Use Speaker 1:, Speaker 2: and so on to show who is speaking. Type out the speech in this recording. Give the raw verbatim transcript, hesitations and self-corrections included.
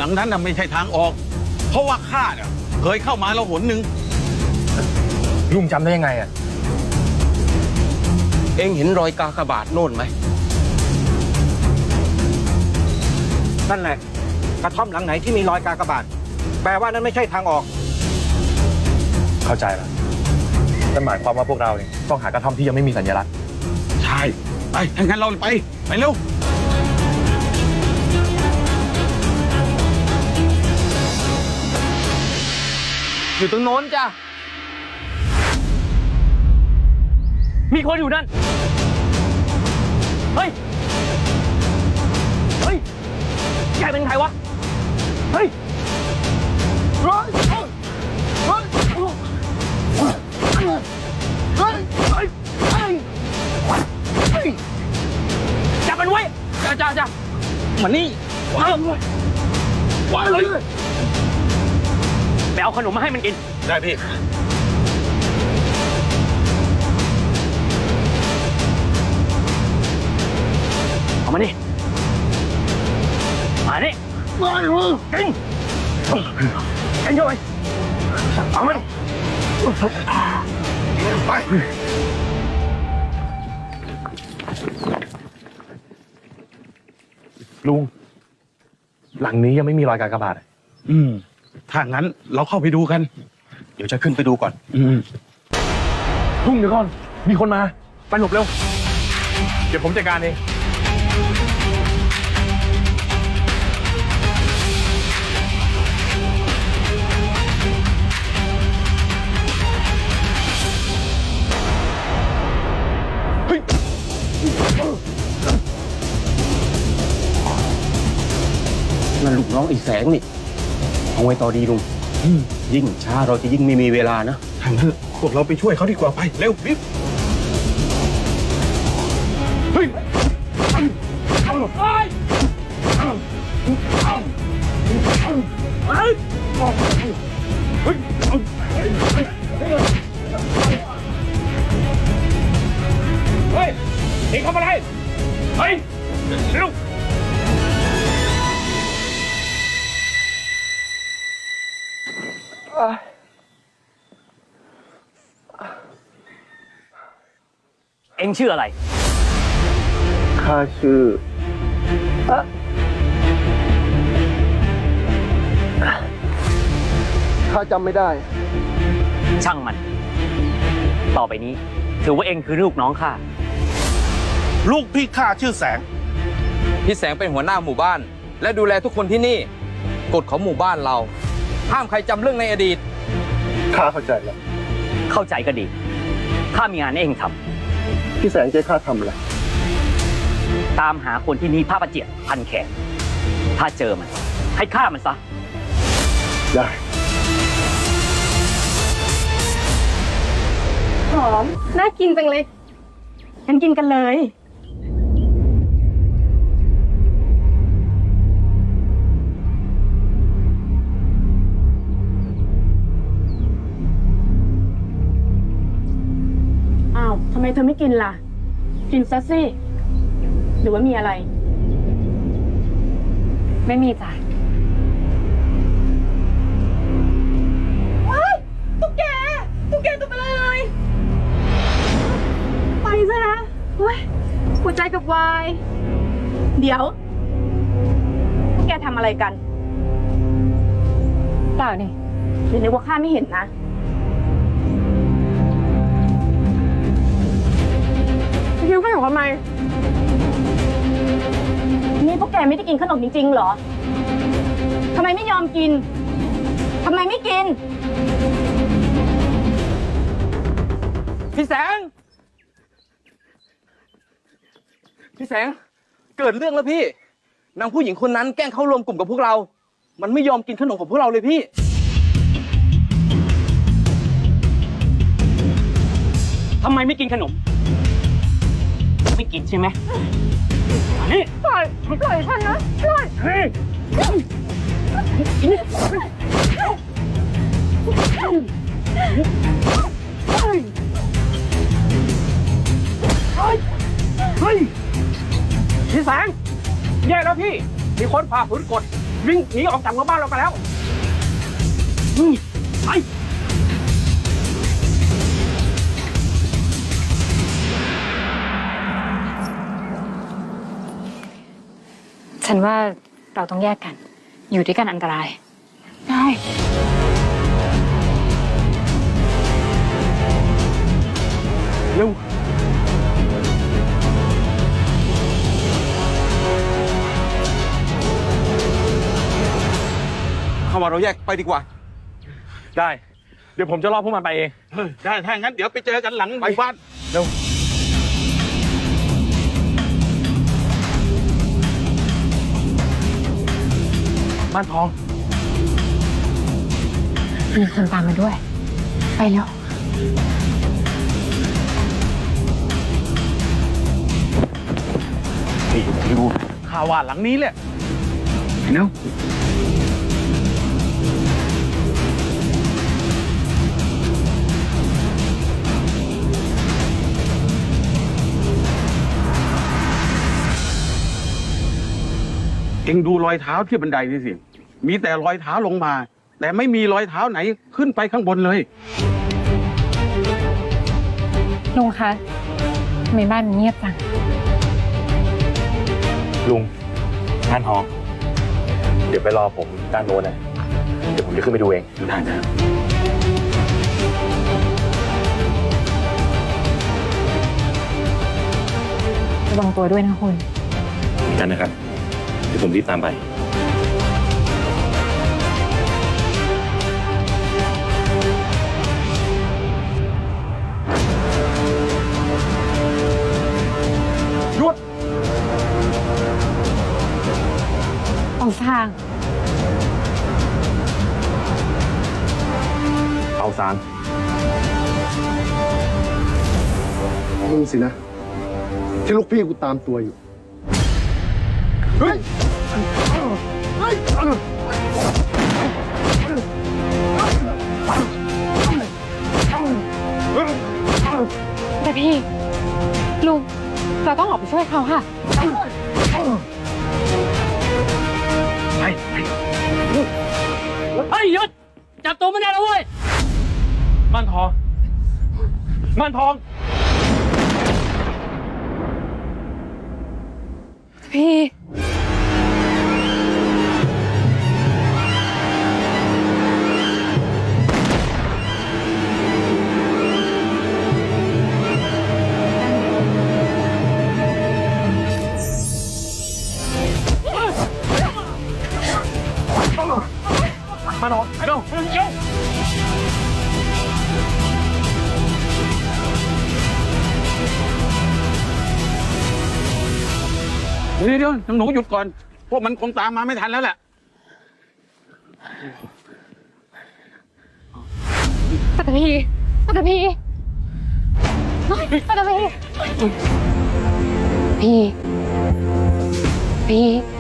Speaker 1: งนั้นน่ะไม่ใช่ทางออกเพราะว่าข้าเนี่ยเคยเข้ามาแล้วหนหนึ่ง
Speaker 2: ลุงจำได้ยังไงอ่ะ
Speaker 3: เอ็งเห็นรอยกากบาทโน่นไหม
Speaker 4: นั่นแหละกระท่อมหลังไหนที่มีรอยกากบาทแปลว่านั่นไม่ใช่ทางออก
Speaker 2: เข้าใจแล้วนั่นหมายความว่าพวกเราเนี่ยต้องหากระท่อมที่ยังไม่มีสัญลักษณ์
Speaker 1: ใช่ไปถ้างั้นเราไปไปเร็ว
Speaker 3: อยู่ตรงโน้นจ้ะมีคนอยู่นั่นเฮ้ยเฮ้ยแกเป็นใครวะเฮ้ยเฮ้ยเฮ้ยเฮ้ยเฮ้ยเฮ้ยเฮ้ยจับมันไว้จ้าจ้าจ้ามานี่ว้าวว้าวเลยไปเอาขนมมาให้มันกิน
Speaker 2: ได้พี่
Speaker 3: เอามานี่มานี่มาดิมึงกินกินเข้าไปเอามัน
Speaker 1: ไป
Speaker 2: ลุงหลังนี้ยังไม่มีรอยกากบาท
Speaker 1: อืมถ้างั้นเราเข้าไปดูกัน
Speaker 2: เดี๋ยวจะขึ้นไปดูก่อน
Speaker 1: อืม
Speaker 2: ลุงเดี๋ยวก่อนมีคนมาไปหลบเร็วเดี๋ยวผมจัดการเอง
Speaker 3: นั่นลูกน้องไอ้แสงนี่เอาไว้ต่อดีลุงยิ่งช้าเราจะยิ่งไม่มีเวลานะ
Speaker 1: ทางนั้นพวกเราไปช่วยเขาดีกว่าไปเร็วรีบเฮ้ยเฮ้ยเอ็งทำอะไรเฮ้ยเร็ว
Speaker 3: เอ็งชื่ออะไร
Speaker 2: ข้าชื่อข้าจำไม่ได้
Speaker 3: ช่างมันต่อไปนี้ถือว่าเอ็งคือลูกน้องข้า
Speaker 1: ลูกพี่ข้าชื่อแสง
Speaker 5: พี่แสงเป็นหัวหน้าหมู่บ้านและดูแลทุกคนที่นี่กฎของหมู่บ้านเราห้ามใครจำเรื่องในอดีต
Speaker 2: ข้าเข้าใจแล้ว
Speaker 3: เข้าใจก็ดีข้ามีงานให้เอ็งทำ
Speaker 2: พี่แสงจะข้าทำอะไร
Speaker 3: ตามหาคนที่มีผ้าประเจียพันแขนถ้าเจอมันให้ฆ่ามันซะ
Speaker 2: ได้
Speaker 6: หอมน่ากินจังเลยงั้นกินกันเลยอ้าวทำไมเธอไม่กินล่ะกินซะสิหรือว่ามีอะไรไม่มีจ้ะว้ายตุ๊กแกตุ๊กแกตัวไปเลยไปซะนะเฮ้ยหัวใจกับวายเดี๋ยวพวกแกทำอะไรกันเปล่านี่หรือนึกว่าข้าไม่เห็นนะคิวขนมทำไมนี่พวกแกไม่ได้กินขนมจริงๆเหรอทำไมไม่ยอมกินทำไมไม่กิน
Speaker 5: พี่แสงพี่แสงเกิดเรื่องแล้วพี่นางผู้หญิงคนนั้นแกล้งเข้ารวมกลุ่มกับพวกเรามันไม่ยอมกินขนมของพวกเราเลยพี่
Speaker 3: ทำไมไม่กินขนมไม่กินใช่ไหมนี่
Speaker 6: ปล่อยปล่อยฉันนะปล่อยเฮ้ย
Speaker 4: เฮ้ยพี่แสงแย่แล้วพี่มีคนผ่าฝืนกฎ
Speaker 3: วิ่งหนีออกจากหมู่บ้านเราไปแล้วอืมไป
Speaker 7: ฉันว่าเราต้องแยกกัน อยู่ด้วยกันอันตราย
Speaker 6: ได้
Speaker 3: เร็ว
Speaker 4: เข้ามาเราแยกไปดีกว่า
Speaker 2: ได้ เดี๋ยวผมจะล่อพวกมันไปเอง
Speaker 3: เฮ้ยได้ถ้างั้นเดี๋ยวไปเจอกันหลังหมู่บ้าน
Speaker 2: เร็ว บ้านทอง
Speaker 7: มีคนตามมาด้วย ไปแล้ว
Speaker 3: นี่ดูข่าวว่าหลังนี้แหละเนาะเอ็งดูรอยเท้าที่บันไดนี่สิ มีแต่รอยเท้าลงมา แต่ไม่มีรอยเท้าไหนขึ้นไปข้างบนเลย
Speaker 7: ลุงคะทำไมบ้านมันเงียบจัง
Speaker 2: ลุงบ้านทอง เดี๋ยวไปรอผมด้านโน้นนะ เดี๋ยวผมจะขึ้นไปดูเอง
Speaker 3: ได้นะ
Speaker 7: ระวังตัวด้วยนะคุณ
Speaker 2: กันนะครับ เดี๋ยวผมรีบตามไป
Speaker 3: หยุด
Speaker 7: ออกทาง
Speaker 2: เอาซาน
Speaker 8: มึงสินะ ที่ลูกพี่กูตามตัวอยู่ เฮ้ย เฮ้ย
Speaker 7: แต่พี่ ลุง เราต้องออกไปช่วยเขาค่ะ
Speaker 3: ไปไปเฮ้ยหยุด จับตัวไม่ได้แล้วเว้ย
Speaker 2: บ้านทอง บ้านทอง
Speaker 7: พี่
Speaker 2: บ้านทองไปเร็วเร็ว
Speaker 3: เดี๋ยวเดี๋ยวหนูหยุดก่อน พวกมันคงตามมาไม่ทันแล้วแหละ
Speaker 7: ปัตตพีปัตตพีปัตตพีพี่ พี่